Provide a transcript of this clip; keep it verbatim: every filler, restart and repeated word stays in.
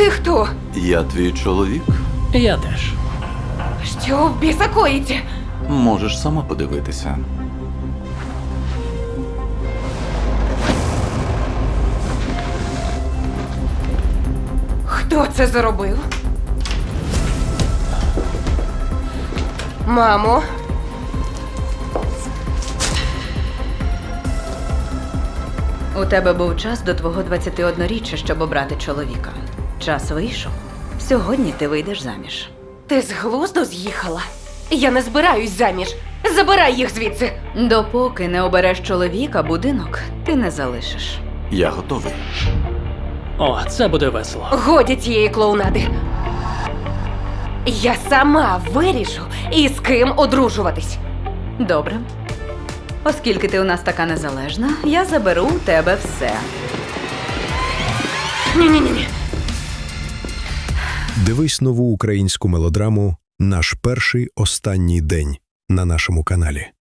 Ти хто? Я твій чоловік. Я теж. Що в біса коїться? Можеш сама подивитися. Хто це зробив? Мамо? У тебе був час до твого двадцятиодноріччя, щоб обрати чоловіка. Час вийшов. Сьогодні ти вийдеш заміж. Ти з глузду з'їхала? Я не збираюсь заміж. Забирай їх звідси. Допоки не обереш чоловіка, будинок ти не залишиш. Я готовий. О, це буде весело. Годі цієї клоунади. Я сама вирішу, із ким одружуватись. Добре. Оскільки ти у нас така незалежна, я заберу у тебе все. Ні-ні-ні. Дивись нову українську мелодраму «Наш перший останній день» на нашому каналі.